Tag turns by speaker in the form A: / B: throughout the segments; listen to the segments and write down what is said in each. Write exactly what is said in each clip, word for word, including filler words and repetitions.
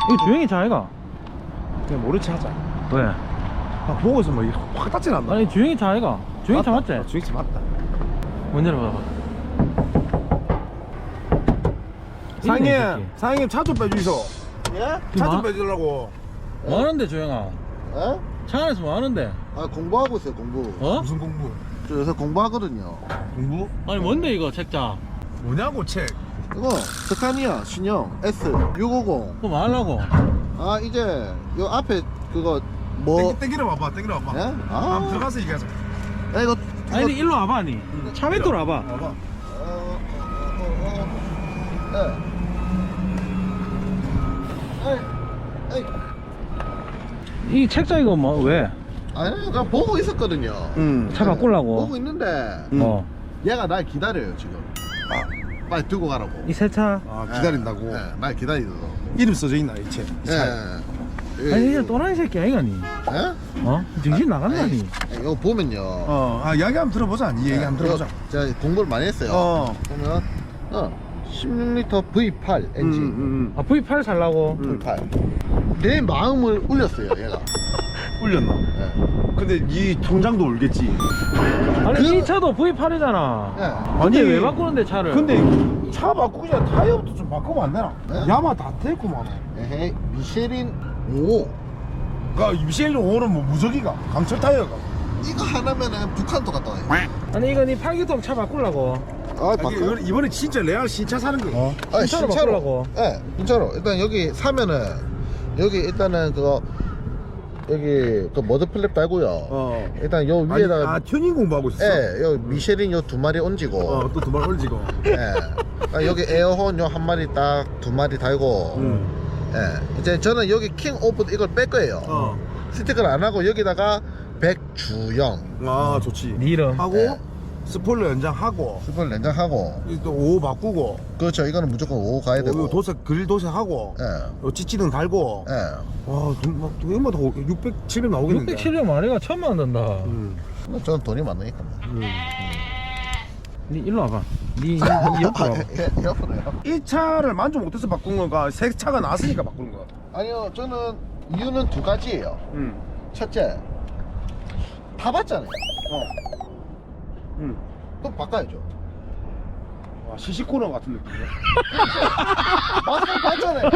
A: 이거 주행이 차이가?
B: 그냥 모르지 하자.
A: 왜?
B: 아, 보고 있으면 뭐확 닿진 않나?
A: 아니 주행이 차이가? 주행이 차 맞지?
B: 아, 주행차 맞다.
A: 먼저 봐봐.
B: 사장님,
A: 있네, 이 새끼.
B: 사장님 차 좀 빼주이소.
C: 예?
B: 차
A: 뭐?
B: 좀 빼주려고.
A: 뭐 하는데 주행아?
C: 예?
A: 차 안에서 뭐 하는데?
C: 아 공부하고 있어요 공부.
A: 어?
B: 무슨 공부?
C: 저 요새 공부하거든요.
B: 공부?
A: 아니 뭔데 이거 책자?
B: 뭐냐고 책.
C: 이거 스카니아 신형 S 육오공.
A: 그거 뭐 하려고?
C: 아 이제 요 앞에 그거 뭐?
B: 땡기, 땡기러 와봐, 땡기러 와봐.
C: 예? 아.
B: 한번 들어가서 얘기하자.
C: 야 이거.
A: 아니
C: 이거-
A: 일로 와봐 아니. 차 밑으로 와봐.
B: 와봐.
C: 어, 어, 어, 어. 예. 에이, 에이.
A: 이 책자 이거 뭐 왜?
C: 아니 나 보고 있었거든요.
B: 응.
A: 차 바꾸려고?
C: 보고 있는데
B: 음.
A: 어.
C: 얘가 날 기다려요 지금. 아, 빨리 두고 가라고.
A: 이 새 차?
B: 아, 기다린다고?
C: 예, 예, 날 기다리더라고.
B: 이름 써져 있나, 이 책? 이 차에.
C: 예.
A: 아니 이게 또라이 새끼 아니가니?
C: 예?
A: 어? 정신 나간다니?
C: 에이, 이거 보면요.
B: 어, 아, 이야기 한번 들어보자. 이 얘기 한번 들어보자.
C: 제가 공부를 많이 했어요.
B: 어.
C: 보면 어, 십육 리터 브이 팔 엔진.
B: 음, 음,
A: 아 브이 팔 살라고?
C: 브이 팔. 내 마음을 울렸어요, 얘가.
B: 음. 울렸나?
C: 예.
B: 근데 이 통장도 울겠지.
A: 아니
C: 그-
A: 이 차도 브이 팔이잖아.
C: 예.
A: 근데
B: 아니,
A: 왜 바꾸는데 차를?
B: 근데 차 바꾸기 전에 타이어부터 좀 바꾸면 안 되나?
C: 네?
B: 야마 다 됐구만.
C: 에헤이, 미쉐린 오.
B: 그니까 미셸 오는 뭐 무적이가 강철 타이어가.
C: 이거 하나면은 북한도 갔다 와요.
A: 아니 이거 니 팔기통 차 바꾸려고.
C: 아,
B: 아니, 이번에, 이번에 진짜 레알 신차 사는 거.
A: 어?
C: 아,
A: 신차로 바꾸려고.
C: 예, 진짜로. 일단 여기 사면은 여기 일단은 그거 여기 그 머드 플랩 달고요.
B: 어.
C: 일단 요
B: 아니,
C: 위에다가
B: 아 튜닝 공부하고 있었어.
C: 예, 요 미쉐린 요 두 마리 얹이고.
B: 어, 또 두 발 올리고.
C: 예. 아, 여기 에어혼 요 한 마리 딱 두 마리 달고.
B: 음.
C: 예. 이제 저는 여기 킹 오브 이걸 뺄 거예요.
B: 어.
C: 스티커를 안 하고 여기다가 백주영
B: 아, 좋지.
A: 니 이름.
B: 하고
C: 네.
B: 스포일러 연장하고
C: 스포일 냉장하고.
B: 또 오 바꾸고.
C: 그렇죠. 이거는 무조건 오 가야 되고.
B: 요 도색 그릴 도색하고.
C: 예.
B: 요 찌찌등 달고.
C: 예.
B: 와, 돈, 막, 얼마 더 육백, 칠백 나오겠는데.
A: 육백 칠백 마리가 천만 원 든다.
B: 음.
C: 저는 돈이 많으니까.
B: 음.
A: 니 일로 와봐. 니, 니, 니 옆으로 와봐.
C: 예, 옆으로요?
B: 이 차를 만족 못해서 바꾼 건가? 새 차가 나왔으니까 바꾸는 거야.
C: 아니요, 저는 이유는 두 가지예요.
B: 음.
C: 첫째, 타봤잖아요. 어.
B: 음.
C: 또 바꿔야죠.
B: 와, 시시코너 같은 느낌이야.
C: 맞아, 봤잖아요.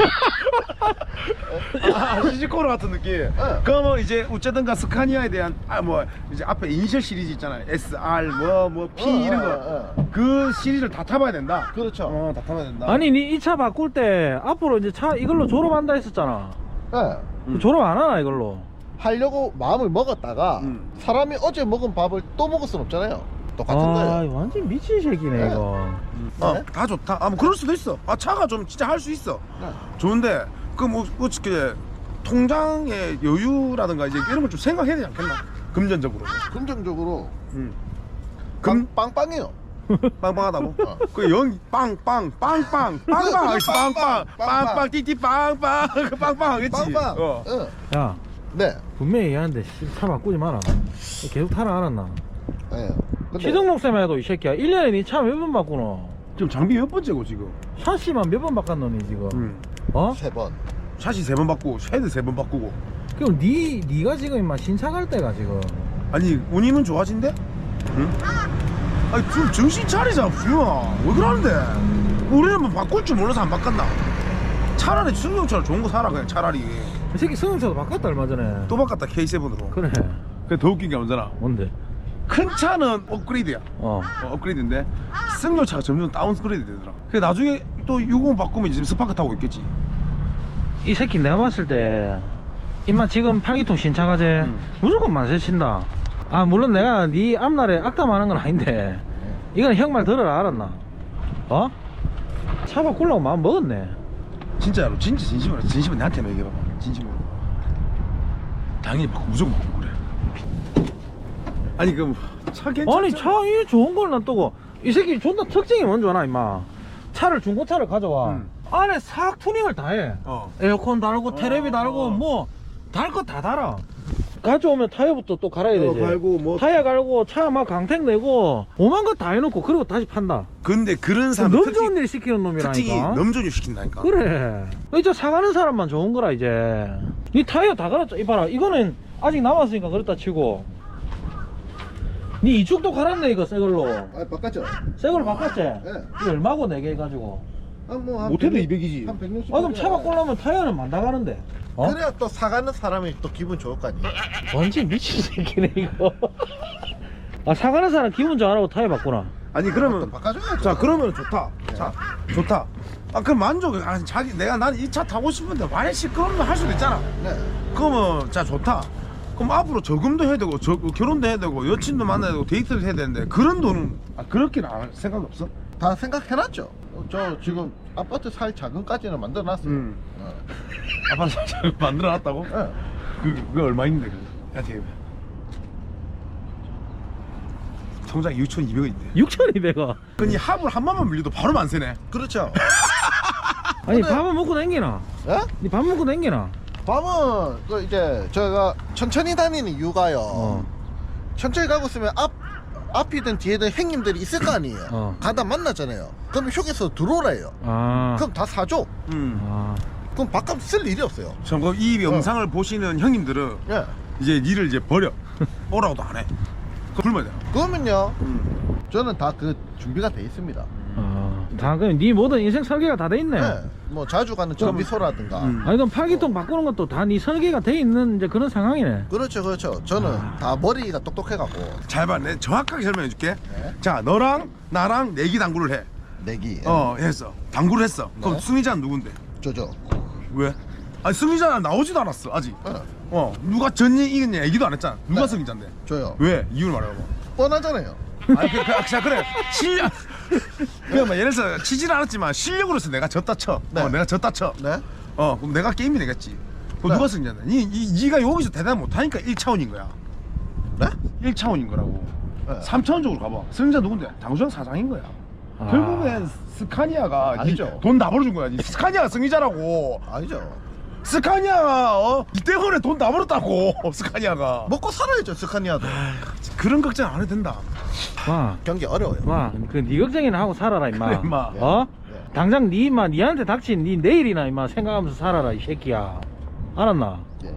B: 아, 시시코너 같은 느낌. 그러면 이제 어쨌든가 스카니아에 대한 아 뭐 이제 앞에 이니셜 시리즈 있잖아요. 에스 알 뭐 뭐 P
C: 어,
B: 이런
C: 어,
B: 거.
C: 어.
B: 그 시리즈를 다 타봐야 된다.
C: 그렇죠.
B: 어, 다 타봐야 된다.
A: 아니 니 이 차 바꿀 때 앞으로 이제 차 이걸로 졸업한다 했었잖아.
C: 네.
B: 음.
A: 졸업 안 하나 이걸로?
C: 하려고 마음을 먹었다가
B: 음.
C: 사람이 어제 먹은 밥을 또 먹을 순 없잖아요. 똑같은
A: 아
C: 거예요.
A: 완전 미친 새끼네
C: 네.
A: 이거.
B: 어,
C: 네?
B: 다 좋다. 아, 뭐 그럴 수도 있어. 아, 차가 좀 진짜 할 수 있어.
C: 네.
B: 좋은데 그 뭐 어떻게 통장의 여유라든가 이제 이런 걸 좀 생각해야 되지 않겠나? 금전적으로.
C: 긍정적으로
B: 음.
C: 금 빵빵해요.
B: 빵빵하다고?
C: 어.
B: 그 영 빵빵 빵빵 빵빵 하겠지. 빵빵 빵빵 띠띠 빵빵 그 빵빵 하겠지.
C: 빵빵.
B: 어.
C: 응.
A: 야
C: 네.
A: 분명히 얘기하는데 씨, 차 바꾸지 마라. 계속 타라 알았나?
C: 네. 근데
A: 시등록세만 해도 이 새끼야 일 년에 니 차 몇 번 바꾸노?
B: 지금 장비 몇 번째고 지금?
A: 샤시만 몇 번 바꿨노니 지금?
B: 음.
A: 어?
C: 세 번.
B: 샤시 세 번 바꾸고 헤드 세 번 바꾸고.
A: 그럼 니 니가 지금 임마 신차 갈 때가 지금
B: 아니 운임은 좋아진대? 응? 아니 좀 정신 차리자 부영아. 왜 그러는데? 우리는 뭐 바꿀 줄 몰라서 안 바꿨나? 차라리 승용차를 좋은 거 사라 그냥 차라리.
A: 이 새끼 승용차도 바꿨다 얼마 전에.
B: 또 바꿨다 케이 세븐으로.
A: 그래.
B: 그게 더 웃긴 게 뭔잖아.
A: 뭔데?
B: 큰 차는 업그레이드야.
A: 어.
B: 어, 업그레이드인데 승용차가 점점 다운그레이드 되더라. 그래 나중에 또 육십 바꾸면 이제 스파크 타고 있겠지.
A: 이 새끼 내가 봤을 때 임마 지금 팔기통 신차 가재
B: 음.
A: 무조건 만세 친다. 아 물론 내가 네 앞날에 악담하는 건 아닌데 이건 형 말 들어라 알았나? 어? 차 바꾸려고 마음 먹었네.
B: 진짜로 진짜 진심으로 진심으로 나한테 얘기해봐봐. 진심으로. 당연히 바꾸 무조건 바꾸고 그래. 아니 그 차 괜찮아?
A: 아니 차 이 좋은 걸 놔두고 이 새끼 존나 특징이 뭔지 아나 임마. 차를 중고차를 가져와
B: 음.
A: 안에 싹 투닝을 다해.
B: 어.
A: 에어컨 달고
B: 어,
A: 테레비 달고
B: 어.
A: 뭐 달 거 다 달아. 가져오면 타이어부터 또 갈아야 되지.
B: 어, 갈고 뭐.
A: 타이어 갈고 차 막 강택 내고 오만 거 다 해놓고 그리고 다시 판다.
B: 근데 그런 사람
A: 너무 좋은 일 시키는
B: 특징이
A: 놈이라니까.
B: 넘존유 시킨다니까.
A: 그래. 이제 사가는 사람만 좋은 거라 이제. 니 타이어 다 갈았죠. 이봐라. 이거는 아직 남았으니까 그렇다 치고. 니 이쪽도 갈았네 이거 새 걸로.
C: 아 바꿨죠?
A: 새 걸로 바꿨지?
C: 네.
A: 이거 얼마고 네 개 해가지고.
C: 아뭐한
B: 못해도 이백이지.
C: 한 백육십.
A: 아 그럼 차 바꾸려면 타이어는 만 나가는데. 어?
C: 그래야 또 사가는 사람이 또 기분 좋을 거 아니야.
A: 완전 미친 새끼네 이거. 아 사가는 사람 기분 좋아하라고 타이어 바꾸나.
B: 아니
C: 또
B: 그러면
C: 바꿔줘야죠.
B: 자 그러면 좋다. 자 좋다. 아 그럼 만족. 아 자기 내가 난 이 차 타고 싶은데 만약 시끄러우면 할 수도 있잖아.
C: 네.
B: 그러면 자 좋다. 그럼 앞으로 저금도 해야 되고 저, 결혼도 해야 되고 여친도 만나야 되고 데이트도 해야 되는데 그런 돈은 아, 그렇게는 안 할 생각 없어?
C: 다 생각해놨죠. 어, 저 지금 아파트 살 자금까지는 만들어놨어요.
B: 응.
C: 어.
B: 아빠는 잘 만들어놨다고?
C: 네.
B: 그 그게 얼마 있는데 그거? 야 되게 통장 육천이백 원인데.
A: 육천이백 원.
B: 그니 합을 한 번만 밀려도 바로 만세네.
C: 그렇죠.
A: 아니
C: 근데-
A: 밥은 먹고 댕기나?
C: 예?
A: 니 밥 먹고 댕기나?
C: 밤은 그 이제 저희가 천천히 다니는 이유가요.
A: 어.
C: 천천히 가고 있으면 앞 앞이든 뒤에든 형님들이 있을 거 아니에요.
A: 어.
C: 가다 만나잖아요. 그럼 휴게소 들어오래요.
A: 아.
C: 그럼 다 사줘.
B: 음.
A: 아.
C: 그럼 밥값 쓸 일이 없어요.
B: 참고 이 영상을 보시는 형님들은
C: 예.
B: 이제 니를 이제 버려. 오라고도 안 해. 그 불만 돼.
C: 그러면요.
B: 음.
C: 저는 다 그 준비가 돼 있습니다.
A: 아. 다 그럼 네 모든 인생 설계가 다 돼 있네.
C: 예. 뭐 자주 가는 정비소라든가.
B: 음.
A: 아니 그럼 팔기통 바꾸는 것도 다 네 설계가 돼 있는 이제 그런 상황이네.
C: 그렇죠, 그렇죠. 저는 다 머리가 똑똑해갖고
B: 잘 봐. 내 정확하게 설명해 줄게.
C: 네.
B: 자, 너랑 나랑 내기 당구를 해.
C: 내기.
B: 어, 했어. 당구를 했어. 그럼
C: 네.
B: 승리자는 누군데?
C: 저죠.
B: 왜? 아니, 승리자는 나오지도 않았어. 아직.
C: 예.
B: 어, 누가 졌니 이겼니 얘기도 안 했잖아. 누가
C: 네.
B: 승리자인데?
C: 저요.
B: 왜? 이유를 말해봐.
C: 뻔하잖아요.
B: 아니, 그, 그, 아, 자, 그래. 실력. 그냥 뭐 예를 들어서 치지는 않았지만 실력으로서 내가 졌다 쳐.
C: 네.
B: 어, 내가 졌다 쳐.
C: 네.
B: 어, 그럼 내가 게임이 되겠지. 그럼
C: 네.
B: 누가 승리자인데? 니, 니, 니가 여기서 대단 못하니까 일 차원인 거야.
C: 네?
B: 일 차원인 거라고.
C: 네.
B: 삼 차원적으로 가봐. 승리자 누군데? 장수영 사장인 거야.
A: 아.
B: 결국엔 스카니아가
C: 아니죠.
B: 돈 다 벌어준 거야. 니 스카니아가 승리자라고.
C: 아니죠.
B: 스카니아가 어? 이 때문에 돈 다 벌었다고. 스카니아가.
C: 먹고 살아야죠, 스카니아도.
B: 그런 걱정 안 해도 된다.
A: 와.
C: 경기 어려워요.
A: 와. 그네 걱정이나 하고 살아라 임마.
B: 그래, 임마.
A: 어?
C: 네.
A: 당장 네 임마 니한테 닥친 네 내일이나 임마 생각하면서 살아라 이 새끼야. 알았나?
C: 예.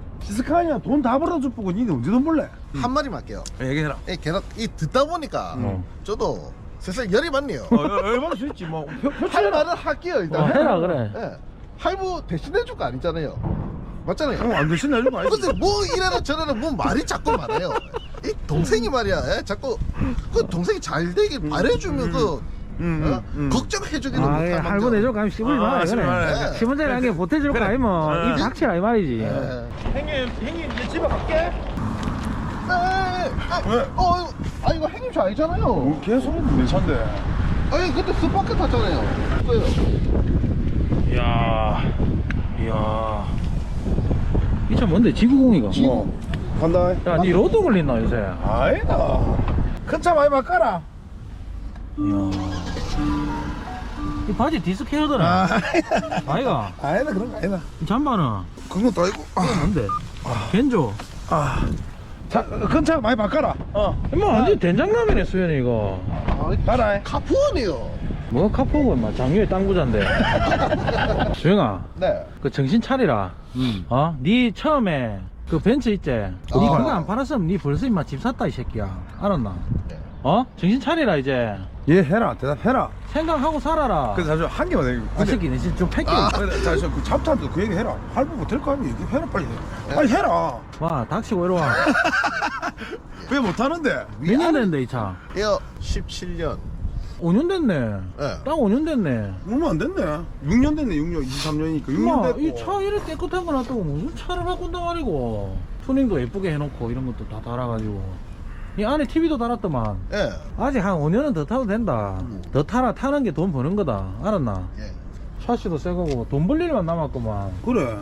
B: 스카니아 돈 다 벌어줄 보고 니네 언제 돈 벌래?
C: 한 마디만 할게요.
B: 얘기해라.
C: 이 계속 이 듣다 보니까
A: 음.
C: 저도 슬슬 열이 받네요.
B: 어, 얼마나 수 있지 뭐. 표,
C: 할
B: 표출해라.
C: 말은 할게요, 일단.
A: 어, 해라 그래.
C: 예. 할부 대신해줄 거 아니잖아요. 맞잖아요.
B: 어, 안 되신 날도 많이.
C: 근데 뭐 이래라 저래라 뭐 말이 자꾸 많아요. 이 동생이 말이야. 예? 자꾸 그 동생이 잘 되길 바래주면 그
B: 음,
C: 어?
B: 음, 음.
C: 걱정해주기는
A: 아,
C: 못할
A: 예,
C: 망정.
A: 할부 내줄 가면 씹으지
B: 아,
A: 마.
B: 씹으지 마라.
A: 그래.
C: 예.
A: 십 원짜리 한 개 보태줄 거
B: 그래.
A: 아니면
B: 예.
A: 입 닥치라 이 말이지.
C: 예.
B: 형님, 형님 이제 집에 갈게.
C: 에, 에, 에.
B: 왜?
C: 어, 아 이거 행님 차 아니잖아요.
B: 뭐 개소리인데 내 차인데.
C: 아니 그때 스파크 탔잖아요. 그거요.
A: 이야. 이야. 이 차 뭔데? 지구공이가?
B: 뭐 간다.
A: 야, 니 로또 걸린나 요새?
B: 아니다. 큰 차 많이 바꿔라.
A: 이야. 이 바지 디스크 헤어더라. 아이가.
B: 아니다 그런 거 아니다.
A: 이 잠바는
B: 그건 또 아니고.
A: 뭔데? 겐조.
B: 아. 자, 큰 차 많이 바꿔라. 어.
A: 임마 완전 된장라면에 수현이 이거.
C: 아,
B: 가라.
C: 카푸원이요.
A: 뭐 카포고 임마 장유의 땅부자인데. 수영아,
C: 네.
A: 그 정신 차리라.
B: 음.
A: 어? 니 처음에 그 벤츠 있지? 니
C: 아.
A: 그거 안 팔았으면 니 벌써 임마 집 샀다 이 새끼야. 알았나?
C: 네.
A: 어? 정신 차리라 이제.
B: 얘 해라. 대답해라.
A: 생각하고 살아라.
B: 그래서 사실 한 개만 해.
A: 아 새끼 내 진짜 좀 팩게.
C: 아.
B: 자저 그 잡탄도 그 얘기 해라. 할부 못할 거 아니야. 얘기해라 빨리. 해. 빨리 해라.
A: 와 닥치고 이리 와.
B: 왜 못하는데?
A: 몇 년 됐는데 이 차?
C: 이거 십칠 년.
A: 오 년 됐네.
C: 네.
A: 딱 오 년 됐네.
B: 얼마 안 됐네. 육 년 됐네. 육 년. 이십삼 년이니까 육 년
A: 임마
B: 됐고.
A: 이 차 이래 깨끗한 거 놔두고 무슨 차를 바꾼단 말이고. 튜닝도 예쁘게 해놓고 이런 것도 다 달아가지고. 이 안에 티비도 달았더만.
C: 예.
A: 아직 한 오 년은 더 타도 된다.
C: 음.
A: 더 타라. 타는 게 돈 버는 거다. 알았나?
C: 예.
A: 샤시도 새 거고 돈 벌 일만 남았구만.
B: 그래.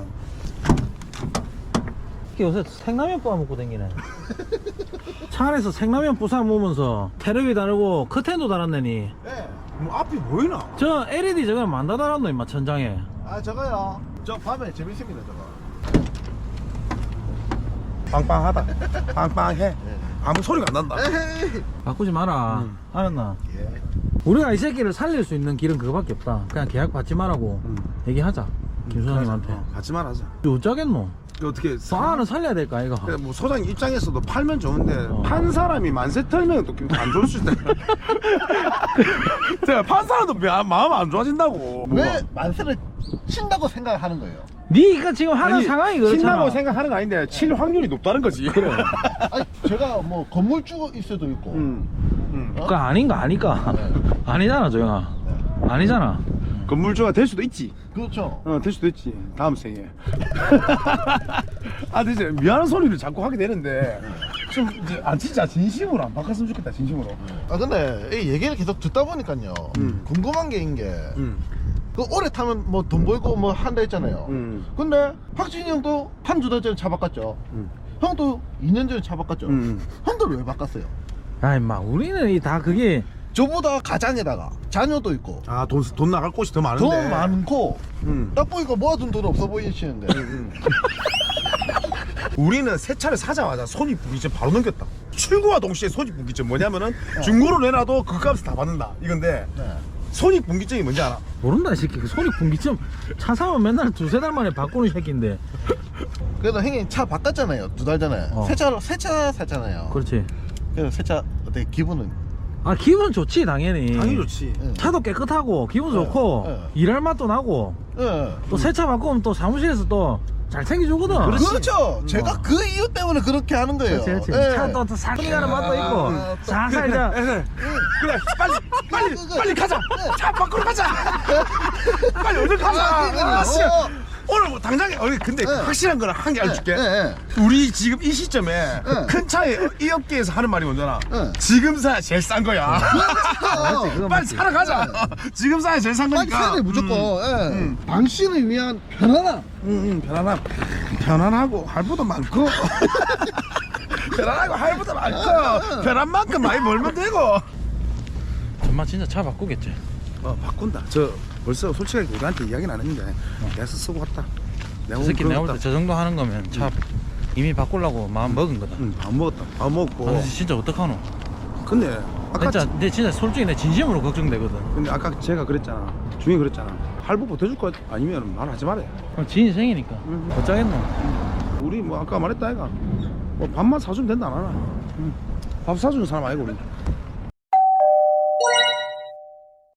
A: 이게 요새 생라면 뽑아 먹고 댕기네. 차 안에서 생라면 부사 먹으면서 테레비 다르고 커튼도 달았네니.
C: 예.
B: 뭐 앞이 보이나?
A: 저 엘이디 저거 만다 달았노 임마 천장에.
C: 아 저거요. 저 밤에 재밌습니다 저거.
B: 빵빵하다. 빵빵해. 아무 소리가 안 난다.
C: 에헤이.
A: 바꾸지 마라.
B: 음.
A: 알았나?
C: 예.
A: 우리가 이 새끼를 살릴 수 있는 길은 그거밖에 없다. 그냥 계약 받지 말라고
B: 음.
A: 얘기하자. 김소장님한테.
B: 어, 같이 말하자.
A: 어쩌겠노?
B: 어떻게
A: 싸는 살려야 될까 이거.
B: 그래, 뭐 소장 입장에서도 팔면 좋은데
A: 어.
B: 판 사람이 만세 털면 또 안 좋을 수 있다. 제가 판 사람도 마- 마음 안 좋아진다고.
C: 왜 만세를 친다고 생각하는 거예요?
A: 네가 지금 하는 상황이 그렇잖아.
B: 친다고 생각하는 거 아닌데 칠 확률이 높다는 거지. 그래.
C: 아니 제가 뭐 건물주 있어도 있고
B: 음. 음.
C: 어?
A: 그거 아닌 거 아니까. 아니잖아 조영아. 아니잖아.
B: 건물주가 될 수도 있지.
C: 그렇죠.
B: 어, 될 수도 있지. 다음 생에. 아, 근데 이제 미안한 소리를 자꾸 하게 되는데 좀 이제 아 진짜 진심으로 안 바꿨으면 좋겠다. 진심으로.
C: 아 근데 이 얘기를 계속 듣다 보니까요
B: 음.
C: 궁금한 게인 게
B: 음.
C: 그 오래 타면 뭐 돈 벌고 뭐 한다 했잖아요.
B: 음.
C: 근데 박진이 형도 한 두 달 전에 차 바꿨죠.
B: 음.
C: 형도 이 년 전에 차 바꿨죠.
B: 음.
C: 형들 왜 바꿨어요?
A: 야 임마 우리는 이 다 그게
C: 저보다 가장에다가 자녀도 있고
B: 아, 돈, 돈 나갈 곳이 더 많은데.
C: 더 많고
B: 음.
C: 딱 보니까 모아둔 돈 없어 보이시는데
B: 우리는 새 차를 사자마자 손익분기점 바로 넘겼다. 출고와 동시에 손익분기점 뭐냐면은 중고로 내놔도 그 값을 다 받는다 이건데
C: 네.
B: 손익분기점이 뭔지 알아?
A: 모른다 이 새끼. 그 소리 분기점 차 사면 맨날 두세 달 만에 바꾸는 새끼인데.
C: 그래도 형님 차 바꿨잖아요 두 달 전에
A: 어.
C: 새차 새차 샀잖아요.
A: 그렇지.
C: 그래서 새차 어떻게 기분은
A: 아 기분 좋지 당연히.
B: 당연히 좋지.
C: 예.
A: 차도 깨끗하고 기분
C: 네,
A: 좋고
C: 네.
A: 일할 맛도 나고
C: 예.
A: 또 새 차 바꾸면 또 사무실에서 또 잘 챙겨주거든.
C: 그렇죠.
A: 음.
C: 제가 그 이유 때문에 그렇게 하는 거예요.
A: 그렇지 그렇지.
C: 예.
A: 차도 또 살기 가는 맛도 있고
C: 아, 또
A: 살살 이제
B: 그래, 그래 빨리 빨리
C: 그거,
B: 빨리 가자. 차 바꾸러 가자. 빨리 얼른
C: 아,
B: 가자.
C: 그러니까요.
B: 아, 씨.
C: 어.
B: 오늘 뭐 당장에 어, 근데
C: 네.
B: 확실한 거는 한 개 알려줄게.
C: 예, 예.
B: 우리 지금 이 시점에
C: 네.
B: 큰 차에 이 업계에서 하는 말이 뭔잖아.
C: 네.
B: 지금 사야 제일 싼 거야.
C: 그렇죠.
A: 그건
B: 빨리
A: 맞지.
B: 사러 가자. 지금 사야 제일 싼
C: 빨리
B: 거니까.
C: 사야 돼 무조건. 예.
B: 음.
C: 당신을 위한 편안함.
B: 응, 응, 편안함. 편안하고 할부도 많고. 편안하고 할부도 많고. 편한 만큼 많이 벌면 되고.
A: 정말 진짜 차 바꾸겠지.
B: 어, 바꾼다. 저 벌써 솔직하게 우리한테 이야기는 안 했는데 내가 쓰고 왔다. 내가
A: 저 새끼
B: 오늘
A: 내가 볼 때
B: 그러겠다.
A: 저 정도 하는 거면 차 이미 바꾸려고 마음 먹은 거다.
B: 응, 밥 먹었다. 밥 먹고.
A: 아, 진짜 어떡하노?
B: 근데 아까
A: 진짜 내 진짜 솔직히 내 진심으로 걱정되거든.
B: 근데 아까 제가 그랬잖아. 중이 그랬잖아. 할부 보태줄 거 아니면 말하지 말아요.
A: 그럼 지 인생이니까
B: 음.
A: 어쩌겠노?
B: 우리 뭐 아까 말했다 아이가 뭐 밥만 사주면 된다 안 하나. 응. 밥 사주는 사람 아니고 우리.